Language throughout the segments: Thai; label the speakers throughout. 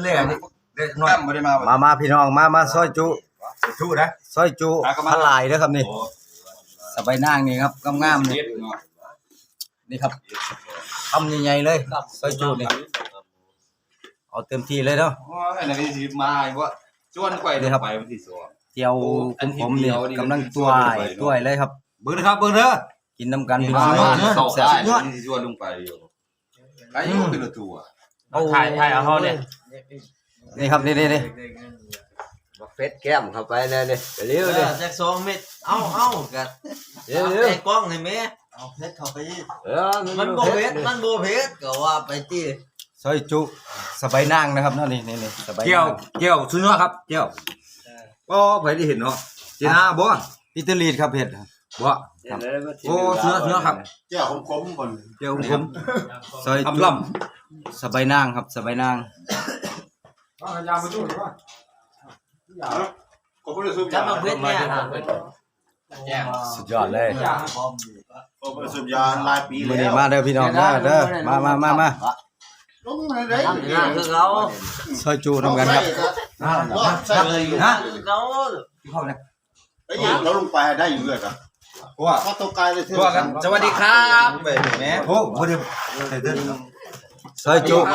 Speaker 1: เล่นี่เล่น้อยไม่ได้
Speaker 2: มาพี่น้องมาซอยจุ
Speaker 1: นะ
Speaker 2: ซอยจุพลายเด้อครับนี่สบายนางนี่ครับงามๆนี่นี่ครับทำใหญ่ๆเลยซอยจุนี่เอาเต็มที่เลยเนาะ
Speaker 1: ไอ้นี่สิมาว่าชวนไปเลยครับไปวันที่2
Speaker 2: เจียวผมนี่กำลังตัวเลยครับ
Speaker 1: เบิ่งนะครับเบิ่งเด้อ
Speaker 2: กินน้ำกันพี่น้อง
Speaker 1: แซ่บยอดที่ชวนลงไปอยู่ไอ้ยูเป็นตัว
Speaker 3: ถ่ายเอาเขาเนี่ย
Speaker 2: นี่ครับนี่
Speaker 4: เฟสแก้มเข้าไปเลยนี่เร็วเลย
Speaker 3: จาก2 เม็ดเอากัด
Speaker 4: เร็ว
Speaker 3: ไอ้กล้องเลยแม่เอาเพชรเข้าไปมันโบเพชรก็ว่าไปที่
Speaker 2: ซอยจุสบายนางนะครับนี่สบาย
Speaker 1: เกี่ยวสุดยอดครับเกี่ยวก็ไปได้เห็นเนาะเจน่าบ่
Speaker 2: พิตลีดครับเผ็ด
Speaker 1: บ่โอ้เนื้อครับ
Speaker 5: เจ้าคมๆก่อน
Speaker 1: เจ้าคม
Speaker 2: ซอยจุสบายนางครับสบายนาง
Speaker 5: ยามาดูหรือว่าผมไม่ได้สูบยา
Speaker 3: เพชรเนี่ย
Speaker 2: สุดยอดเลย
Speaker 5: ผมไม่ได้สูบยาหลายปีแล้ว
Speaker 2: มาเด้อพี่น้องเด้อมา
Speaker 5: ลงมาได้
Speaker 3: คือเขา
Speaker 2: ซอยจุน้ำกันครับ
Speaker 5: ใช่เลย
Speaker 3: เขา
Speaker 1: เข้าเลย
Speaker 5: ไอ้เราลงไปได้อยู่เลยครับ
Speaker 1: ว่า
Speaker 5: ถ้าตัวกายเลยเท่า
Speaker 1: กันสวัสดีครับแม่โอ้โหเดี๋ยว
Speaker 2: ซอยจุ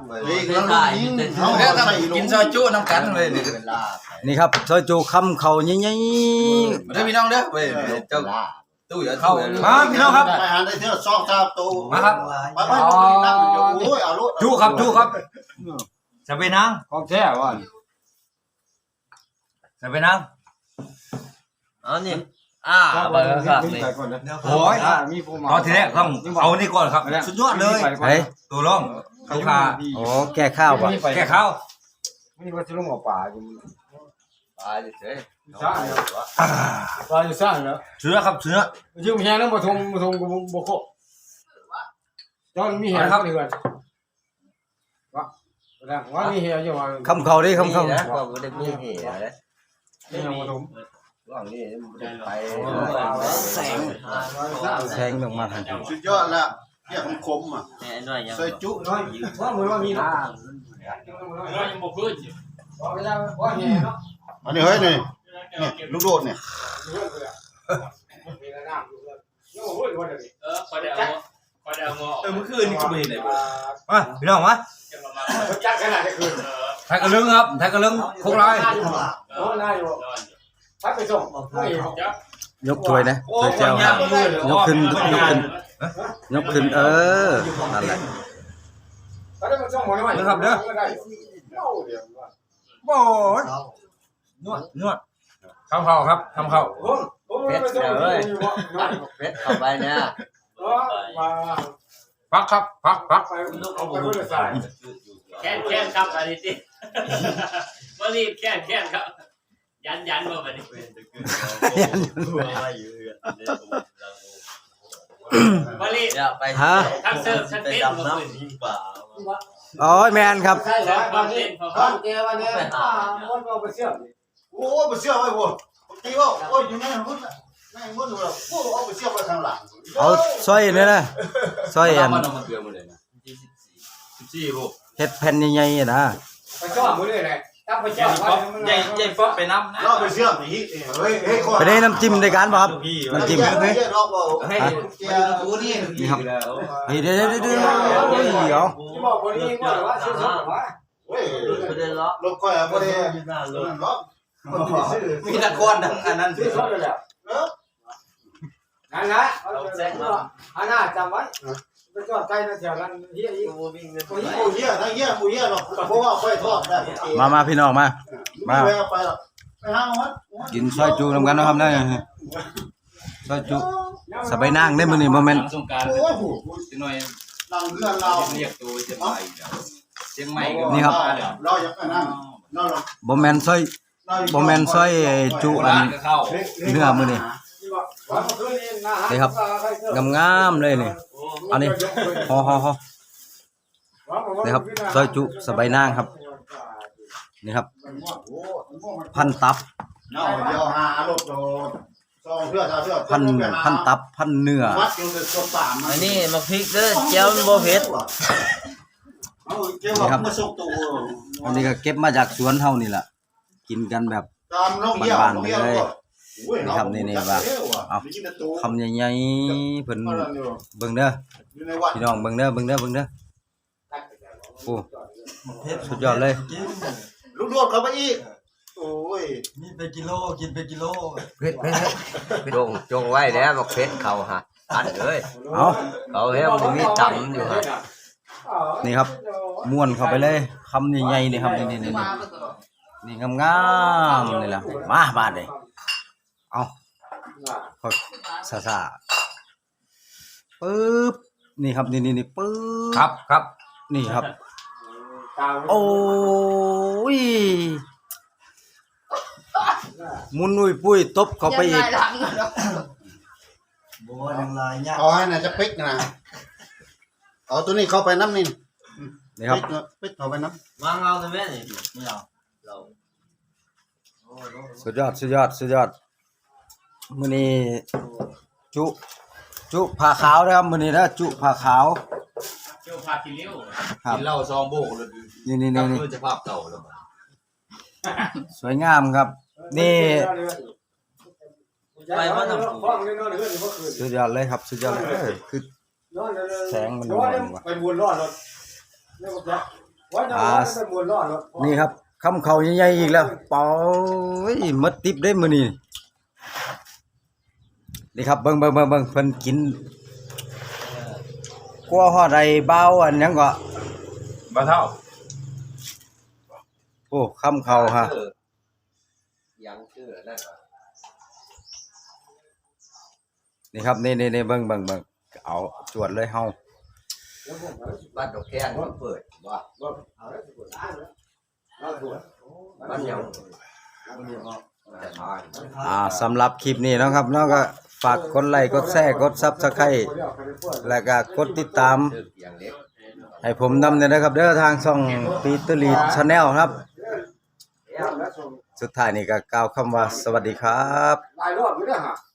Speaker 1: กินซอยจุน้ำกันเลย
Speaker 2: นี่ครับซอยจุคำเขาใหญ่
Speaker 1: ๆเด้อพี่น้องเด้อเจ้าตู้อย่าเข้ามาพี่น้องครับ
Speaker 5: ไปหาได้เท่าซอกตาตู้
Speaker 1: มาครับ
Speaker 5: ไปนั่งอยู่โอ้ยเอาลูก
Speaker 1: จุครับจะไปนั่งของแท้ว่ะจะไปนั่ง
Speaker 3: นี่เบอร์ครับนี่
Speaker 1: โอ้ยตอนที่แรกต้องเอานี่ก่อนครับสุดยอดเลยตัวร่องข้าวขา
Speaker 2: โอ้แก่ข้าวป่ะ
Speaker 1: แก่ข้าว
Speaker 5: นี่ว่าจะลงเอาป่าอยู่
Speaker 4: ป่าเฉย
Speaker 5: ป่าอยู่สร้างแล้ว
Speaker 1: เชื้อครับเชื้อ
Speaker 5: ยืมแฮแล้วมาทงกูบ่โคตอนมีแฮครับนี่ก่อนว่ามีแฮอยู่ว่า
Speaker 2: คำเขาดิคำเขา
Speaker 4: นะก็ได้มีแฮนะ
Speaker 5: นี่เอามาทง
Speaker 4: ว่างนี่ไป
Speaker 2: แสงลงมาทันที
Speaker 5: สุดยอดแล้วเกี่ยวคมอ่ะใส่จุน้อยว่ามือว่ามีนะยังบ่พื้นอันนี้เฮ้ยนี่ลูกโดดเนี่ย
Speaker 1: เมื่อคืนนี่ก็ไม่เห็นเลยมาพี่น้องมา
Speaker 5: จักขนาดคืน
Speaker 1: ไทยกระลึงครับไทยกระลึงโคกลาย
Speaker 5: พักไปส่ง
Speaker 2: ยกถ้วยนะถ้วยเจ้ายกขึ้นนั่นแหละ
Speaker 1: นะครับเด้อโอ้ยนวดทำเข่าครับทำเข่า
Speaker 4: เพชรเลยเพชรเข้าไปเนี่ย
Speaker 1: พักครับพัก
Speaker 3: แค่ครับอันนี้สิมารีบแค่ครับยันว่ามันมารีบ
Speaker 2: ฮะ
Speaker 3: ทั้งเสิร์ฟทั้งเต้นมาขึ้น
Speaker 2: อ๋อแมนครับ
Speaker 5: ใช่แล้ววันนี้เจ้าวันนี้มันก็ไปเชื่อโอ้ไปเชื่อไว้บ่ตีว่าโอ้ยอยู่ไหนหุ่นนั่งหุ่นดูแล้วโอ้เอาไปเชื่อไปทางหลัง
Speaker 2: เอาซอยเนี่ยนะซอยอัน
Speaker 1: 14ลูก
Speaker 2: เฮ็ดแผ่นใหญ่ๆนะ
Speaker 5: ไปชอบมื้อนี้แหละตั้งไปชอบ
Speaker 1: ใหญ่ป๊อปไปน้ำนะ
Speaker 5: เราไปเชื่อมนี่เฮ้ย
Speaker 2: ไปได้น้ำจิ้มในการบ่ครับน้ำจิ้ม
Speaker 5: เฮ้ย
Speaker 1: ตัวนี้
Speaker 2: นี่ครับเฮ้ยเดี๋ยว
Speaker 5: บอกคนนี้ว่าชื่อสดว่าเฮ้ยรถค่อยบ่ได้ล็อก
Speaker 1: มีตะกอนดังอันนั้น
Speaker 5: ชื่อสดเลยแหละนั่นนะอันน่าจำไว้ไปจอดใกล้นะแถวนั้นเฮียอีกโอ้เฮียทั้งเฮียหมูเฮียเนาะเพราะว่าค่อยทอดได้
Speaker 2: มาพี่น้องมา
Speaker 5: ไปหรอกไปหาวัด
Speaker 2: กินซอยจูนำกันนะครับได้ซอยจูสบายนางได้มื้อนี้บ่แม่น
Speaker 5: โอ้โหหน่อยนั่งเรือเรา
Speaker 1: เรียกตัวเชียงใหม่
Speaker 2: นี่ครับ
Speaker 5: เราอยากไปนั่ง
Speaker 2: บ่แม่นซอยจูอันเนื้อมื้อนี้นี่ครับงามๆเลยนี่อันนี้ฮอนี่ครับซอยจุสบายนางครับนี่ครับพันตับพันตับพันเนื้อ
Speaker 3: อันนี้มาพริกเด้อเจ้าโบเผ็ด
Speaker 5: เอาเกี่ยวกับมาส่งตัว
Speaker 2: อันนี้ก็เก็บมาจากสวนเฮานี่ล่ะกินกันแบบ
Speaker 5: ตามน้องเหี้ย
Speaker 2: บ้านๆไปเลย
Speaker 5: โอ้ย
Speaker 2: นี่ครับนี่ๆว่าเอาคำใหญ่ๆเพิ่นเบิ่งเด้อ
Speaker 5: อยู่ในวัด
Speaker 2: พี่น้องเบิ่งเด้อโอ้สุดยอดเลย
Speaker 5: ลูกโดดเข้าไปอีกโอ้ย
Speaker 6: นี่ไปกิโลกินไปกิโล
Speaker 4: เผ็ดจงไว้แล้วบอกเผ็ดเขาฮะอันเลย
Speaker 2: เอา
Speaker 4: เขาเฮ้ยมันมีตำอยู่ฮะ
Speaker 2: นี่ครับม้วนเข้าไปเลยคำใหญ่ๆนี่ครับนี่นี่งามๆนี่ล่ะมาบาดเลยเอาซ่าๆปึ๊บนี่ครับนี่ปึ๊บ
Speaker 1: ครับ
Speaker 2: นี่ครับโอ้ยมุนอุ้ยปุ้ยตบเข้าไปอีก
Speaker 6: บัวยังลายยาก
Speaker 5: เอาให้น่ะจะปิกนะเอาตัวนี้เข้าไปน้ำนี่
Speaker 2: นี่ครับ
Speaker 5: ปิกเข้าไปน้
Speaker 6: วางเอาเลยแม่นี่ไม่เอาเรา
Speaker 2: สุดยอดมื้อนี้จุผ้าขาวนะครับมื้อนี้นะจุผ้าขาว
Speaker 3: เจ้าพากินเลี้ยว
Speaker 2: ครับ
Speaker 6: กินเหล้าซองโบกเลย
Speaker 2: นี่
Speaker 6: คือจะภาพเก่าแล้ว
Speaker 2: สวยงามครับ นี่
Speaker 6: ไปว่าทำ
Speaker 2: สุดยอดเลยครับสุดยอดเลยคือแสงมันนวลว่ะ
Speaker 5: ไปวนรอดรถ
Speaker 2: นี่ครับคำเขาใหญ่ๆอีกแล้วเป๋ยมดติบได้มื้อนี้นี่ครับเบิ่งเพิ่นกินกลัวฮอดไอ้เบาอันหยังก็
Speaker 1: บ่เท่า
Speaker 2: โอ้คำเขาฮะ
Speaker 4: ยังชื่อนั่น
Speaker 2: นี่ครับนี่เบิ่งเอาจวดเลยเฮา
Speaker 4: บ้านดอกแค้นมันเปิดว่าบ้านยังจะทาน
Speaker 2: สำหรับคลิปนี้เนาะครับเนาะก็ฝากกดไลค์กดแชร์กด Subscribe แล้วก็กดติดตาม
Speaker 4: ชื่ออย่างเล็ก
Speaker 2: ให้ผมนำเนี่ยนะครับเด้อทางช่องปีเตอร์ลีดชาแนลครับ สุดท้ายนี่ก็กล่าวคำว่าสวัสดีครับ
Speaker 5: หลายรอบอยู่เด้อฮะ